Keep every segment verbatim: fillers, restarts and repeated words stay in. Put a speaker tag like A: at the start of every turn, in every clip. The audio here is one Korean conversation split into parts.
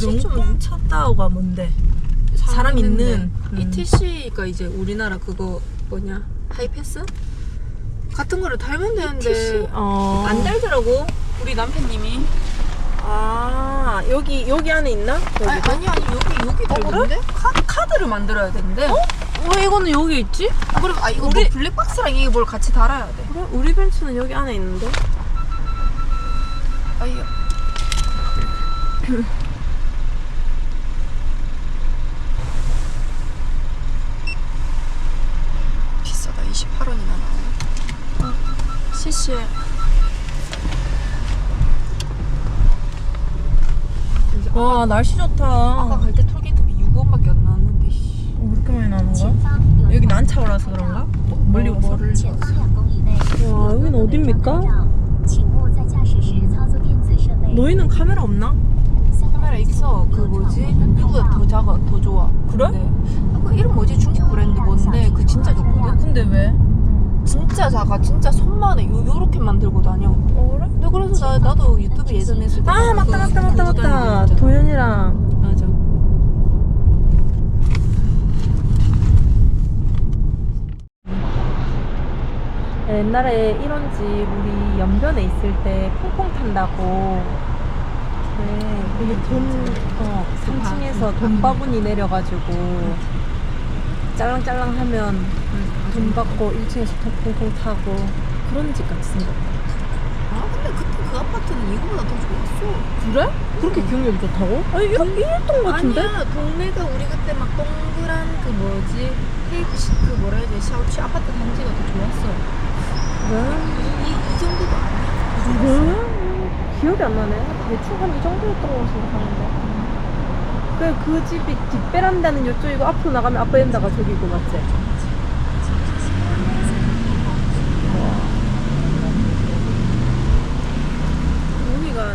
A: 명품 쳤다오가 뭔데? 사람 있는 음.
B: 이티씨가 이제 우리나라 그거 뭐냐 하이패스? 같은 거를 달면 되는데
A: 이티씨? 어.
B: 안 달더라고 우리 남편님이.
A: 아 여기 여기 안에 있나?
B: 아니 아니 아니 여기 여기 들어있는데? 카, 카드를 만들어야 되는데.
A: 어? 왜 이거는 여기 있지?
B: 아, 그리고 아 이거
A: 우리...
B: 뭐 블랙박스랑 이게 뭘 같이 달아야 돼.
A: 그래? 우리 벤츠는 여기 안에 있는데?
B: 아이 비싸다. 이십팔 원이나 나오네.
A: 어, 씨씨. 와 날씨 좋다.
B: 아까 갈 때 톨게이트비 육 원밖에 안 나왔는데.
A: 어, 그렇게 많이 나오는 거야? 여기 난차오라서 그런가? 멀리 와서?
B: 뭐를
A: 와 여기는 어딥니까? 너희는 카메라 없나?
B: 카메라 있어. 그 뭐지? 이거보다 더 작아, 더 좋아.
A: 그래?
B: 네. 아, 그 이름 뭐지? 중국 브랜드 뭔데? 그 진짜 좋거든?
A: 근데 왜?
B: 진짜 작아. 진짜 손만해. 요, 요렇게만 들고 다녀.
A: 어 그래?
B: 근데 그래서 나, 나도 유튜브 예전에 했을 때
A: 아 맞다 맞다 맞다 맞다 도현이랑
B: 맞아.
A: 옛날에 이런 집 우리 연변에 있을 때 퐁퐁 탄다고 네 이게 돈 어, 삼 층에서 돈 바구니 내려가지고 짤랑짤랑 하면 돈 받고 일 층에서 퐁퐁 타고 그런 집 같이 생겼다.
B: 아 근데 그때 그 아파트는 이거보다 더 좋았어.
A: 그래? 그렇게 기억력이 좋다고? 아니 일, 일동 같은데?
B: 아니야 동네가 우리 그때 막 동그란 그 뭐지 테이프 시- 그 뭐라 해야 되지 샤우치 아파트 단지가 더 좋았어.
A: 왜?
B: 이, 이 정도도 아니야. 더 좋았어.
A: 왜? 기억이 안 나네. 대충 한 이 정도였던 거 생각하는데. 그래 그 집이 뒷베란다는 이쪽이고 앞으로 나가면 앞베란다가 저기고 맞지? 여기가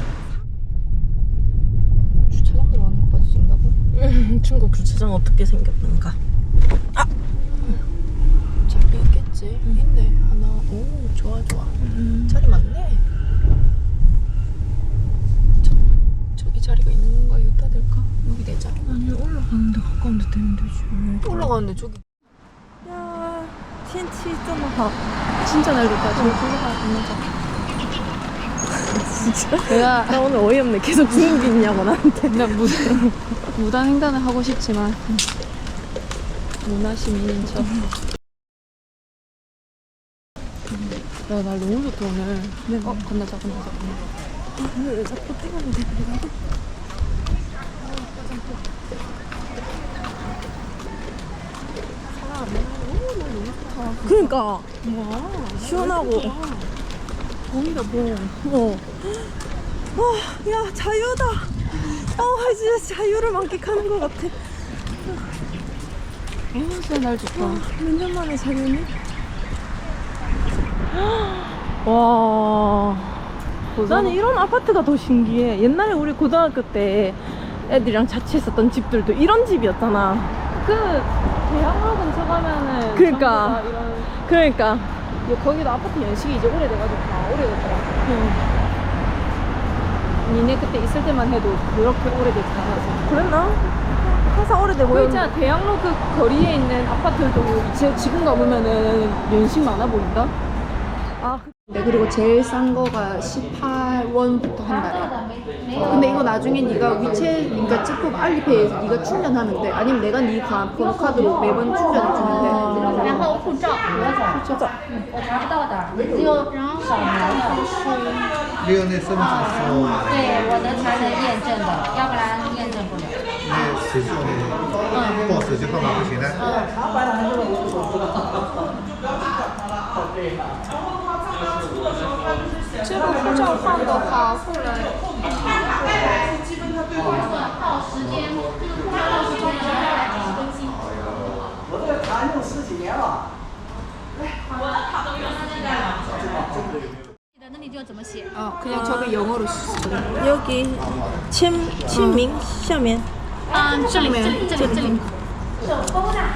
B: 주차장 들어가는 것까지 찍는다고?
A: 음, 중국 주차장 어떻게 생겼는가? 아!
B: 잘 있겠지. 응. 있네 하나. 오 좋아 좋아.
A: 음.
B: 자리 많네. 저, 저기 자리가 있는 건가? 여기다 될까? 여기 되자.
A: 아니 올라가는데 가까운데 되면 되지.
B: 또 올라가는데 저기.
A: 야, 텐치 있잖아. 진짜 날렵다. 저기 올라가 있는 거. 진짜?
B: 내가
A: 나 오늘 어이없네. 계속 중국이 있냐고 나한테.
B: 나 무, 무단 횡단을 하고 싶지만 문화시민인 척. 야, 날 너무 좋다 오늘.
A: 네.
B: 어, 건너자, 건너자, 건너자.
A: 왜 자꾸 뛰었는데? 그러니까
B: 와,
A: 시원하고
B: 봄이다 봄.
A: 어. 아, 야 자유다. 어, 진짜 자유를 만끽하는 것 같아.
B: 어, 진짜 날 좋다.
A: 몇 년 만에 자유니? 와. 나는 이런 아파트가 더 신기해. 옛날에 우리 고등학교 때 애들이랑 자취했었던 집들도 이런 집이었잖아.
B: 그 대학로 근처 가면은
A: 그러니까.
B: 전부 다 이런.
A: 그러니까.
B: 야, 거기도 아파트 연식이 이제 오래돼가지고 다 오래됐더라.
A: 응.
B: 니네 그때 있을 때만 해도 그렇게 오래되지 않았어.
A: 그랬나? 항상 오래돼
B: 그
A: 보였는데.
B: 있잖아 대학로 그 거리에 있는 아파트도 제, 지금 가보면은 연식 많아 보인다.
A: 아,
B: 네, 그리고 제일 싼 거가 십팔 원부터 한 달에. 근데 이거 나중에 네가 위챗, 그러니까 찍고 알리페이에서 네가 충전하면 돼. 아니면 내가 네 가- 번호카드로 매번 충전해 주면 돼.
C: 然后护照，护照，我查不到的，只有扫描的。
D: 六那身份证是
C: 对，我的才能验证的，要不然验证不了。
D: 那手机呃报手机号码不行的。
B: 这个护照放的话，后来
C: 到时间，到时间来更新。
E: 我这个卡用十几年了。
C: 那你就怎么写？
B: 어, 그냥 저기 영어로 쓰
A: 여기签签名下面
C: 啊，这里，这里，这里，这里。手勾的。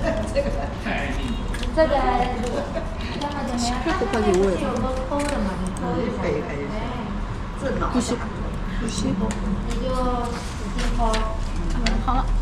C: 这个。
B: 십팔 곱하기 오에
C: 手都勾的嘛，你可以。
B: 구십. 구십.
C: 你就使劲好了。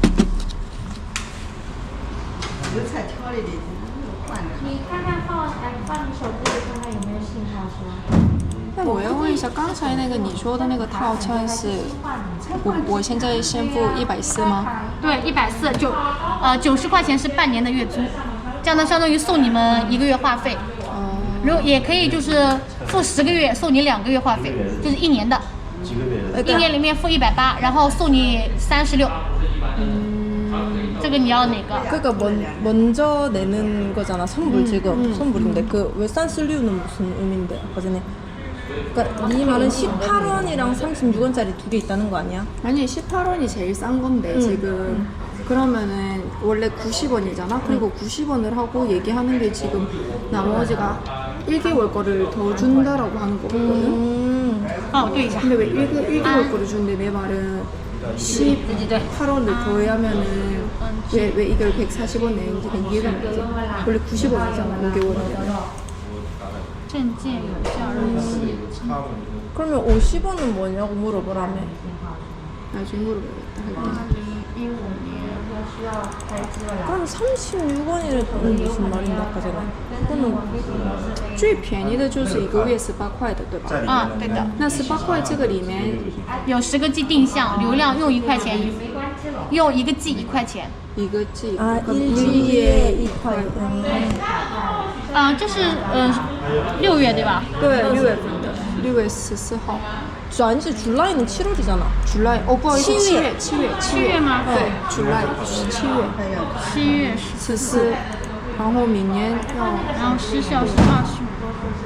E: 油菜调理的换的。
C: 你看看放哎放你手机里看看有没有信号是吧？
B: 那我要问一下，刚才那个你说的那个套餐是，我我现在先付一百四吗？
C: 对，一百四九，呃九十块钱是半年的月租，这样呢相当于送你们一个月话费。
B: 哦、
C: 如果也可以就是付十个月送你两个月话费，就是一年的，一年里面付一百八，然后送你三十六。嗯，这个你要哪个？
A: 그러니까 먼, 먼저 내는 거잖아 선불 지금 선불인데 그 왜 산슬류는 무슨 의미인데 아까 전에 그러니까 네 말은 십팔 원이랑 삼십육 원짜리 두 개 있다는 거 아니야?
B: 아니 십팔 원이 제일 싼 건데 지금 그러면은 원래 구십 원이잖아. 그리고 구십 원을 하고 얘기하는 게 지금 나머지가 일 개월 거를 더 준다라고 하는 거거든.
A: 음.
C: 帮我对一下。
B: 근데 왜 일 개월 거를 주는데 내 말은 십팔 원을 더하면은 왜, 왜 이걸 백사십 원 내는지 이해가 안 되지. 원래 구십 원이잖아 오 개월이면.
C: 证件有效日期。
A: 그러면 오십 원은 뭐냐고 물어보라며.
B: 나중에 물어봐야겠다 할게.
C: 二零一五年要需要开机了。
A: 그럼 삼십육 원이라는 무슨 말인데 아까 전에? 그거는
B: 最便宜的就是一个月十八块的，对吧？
C: 啊，对的，
B: 那十八块这个里面
C: 有十个 G 定向，流量用一块钱一，用一个 G 一块钱。
B: 一个 G
A: 아
B: 그럼
A: 일주일에 이块. 음.
C: 嗯、这是嗯六月对吧？
B: 对，六月份的，六月十四号。
A: 저 아니지 줄라이는 칠월이잖아.
B: July 哦，不好意思，七
A: 七月
B: 月，七月，
C: 七月吗？
B: 对，July 是七月
C: 七月十，
B: 十四，然后明年要
C: 然后失效是二十五。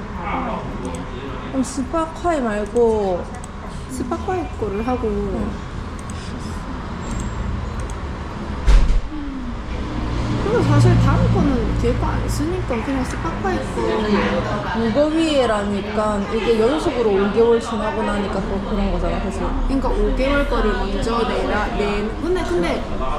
A: 그럼 십팔块 말고
B: 십팔块 거를 하고. 그리고 사실 다른 거는 뒤에 거 안 쓰니까 그냥 십팔块 거.
A: 무거위에라니까 이게 연속으로 오 개월 지나고 나니까 또 그런 거잖아, 그치?
B: 그러니까 오 개월 거를 먼저 내라 내 근데 근데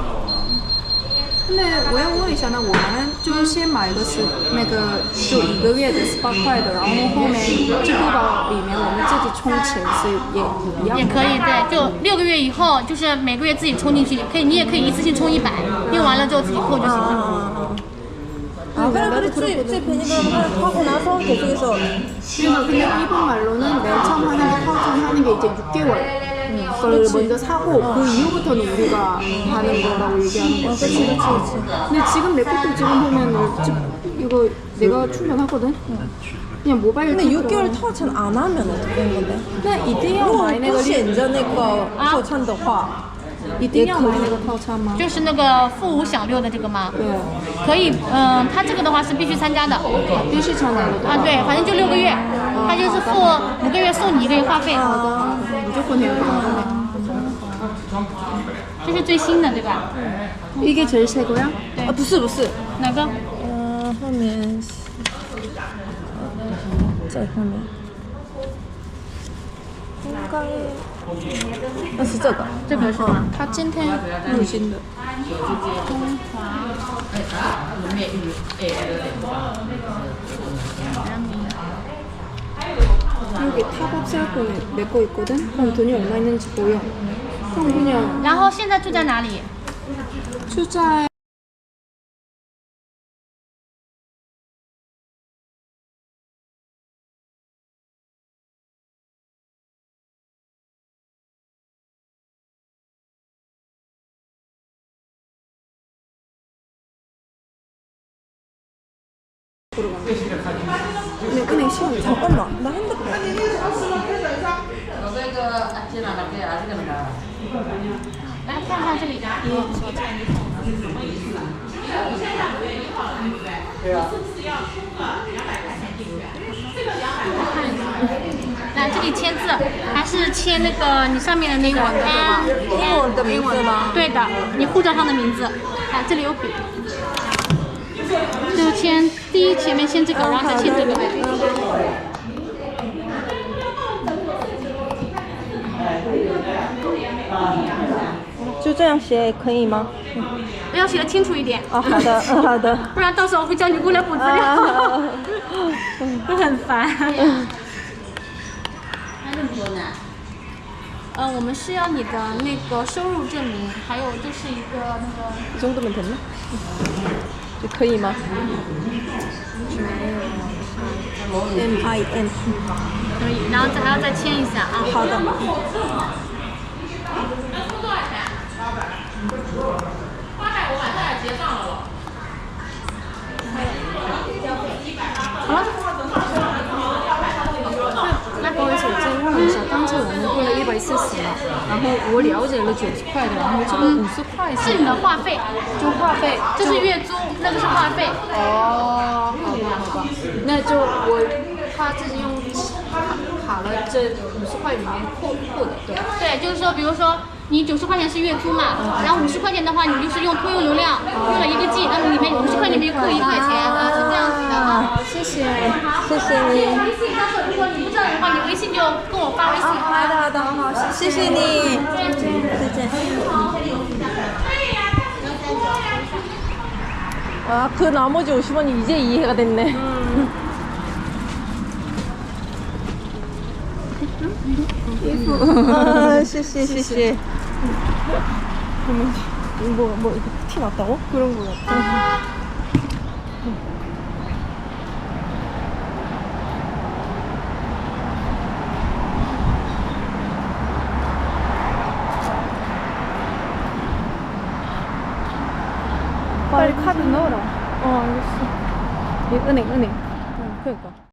B: 근데我要问一下呢，我们就先买的是那个就一个月的十八块的，然后后面支付宝里面我们自己充钱是也一样的。
C: 也可以，对，就六个月以后，就是每个月自己充进去，可以，你也可以一次性充一百，用完了之后自己扣就行了。
A: 아, 그래, 그래, 쭈이, 쭈이 베니그램 하고 나서 계속해서.
B: 그래서 근데 일본 말로는 맨 처음 하는 게 타우천 하는 게 이제 육 개월 걸 먼저 사고 그 이후부터는 우리가 하는 거라고 얘기하는 거야.
A: 그치, 그치, 그치.
B: 근데 지금 내 것도 지금 보면은 지- 이거 내가 충전하거든? 그냥 모바일
A: 근데
B: 팁으로.
A: 육 개월 타워찬 안 하면 어떻게 되는 건데?
B: 那一定要买那个
A: 不选择那个套餐的话，
B: 一定要买那个套餐吗？
C: 就是那个付五享六的这个吗？
B: 对，
C: 可以，嗯、它这个的话是必须参加的。
B: 必须参加的。
C: 啊，对，反正就六个月，它就是付五个月送你一个月话费。
B: 무조건 해야 돼.
C: 这是最新的对吧？
B: 이게 제일 새 거야?
A: 아, 不是不是，
C: 哪个？
A: 呃，后面在后面，应该那是这个，
C: 这个是吗？
B: 他今天入新的。여기 탑업 셀폰에 내 거 있거든? 그럼 돈이 얼마 있는지 보여. 그럼 그냥
C: 然后现在住在哪里？
B: 투자 보러 가는 거야. 근데 은행 시간
A: 잠깐만, 나 핸드폰.
C: 来看看这里。来这里签字，还是签那个你上面的那个 N
A: 英文的名字吗？
C: 对的，你护照上的名字。啊，这里有笔。就签第一前面签这个，然后再签这个。
A: 就这样写可以吗？
C: 要写的清楚一点。
A: 啊，好的，嗯好的。
C: 不然到时候我会叫你过来补资料，
A: 啊
C: 会很烦。
E: 还那么多呢？
C: 呃，我们是要你的那个收入证明，还有就是一个那个
A: 이 정도면 됐나? 이제 可以吗? M I N
C: 可以，然后再还要再签一下啊。
A: 好的。
C: 好了。
B: 不好意思，我再问一下，刚才我们付了一百四十嘛，然后我了解了九十块的，然后这个五十块
C: 是你的话费，
B: 就话费，
C: 这是月租，那个是话费。
B: 哦，好吧好吧，那就我他自己用卡卡了这五十块里面扣扣的，对吧？
C: 对，就是说，比如说你九十块钱是月租嘛，然后五十块钱的话，你就是用通用流量用了一个 G， 那么里面五十块里面扣一块钱啊，是这样子的啊。
B: 谢谢，
A: 谢谢你。
C: 微信，到时候如果你不知道的话，你微信就跟我发微信。
A: 好的好的，好，谢谢你。再见再见。아, 그 나머지 오십 원이 이제 이해가 됐네. 아, 谢谢谢谢. 뭐, 뭐, 이거 티 났다고? 그런 거 같아.
B: 빨리 카드 넣어라.
A: 어, 알겠어.
B: 이 은행 은행.
A: 응, 그러니까.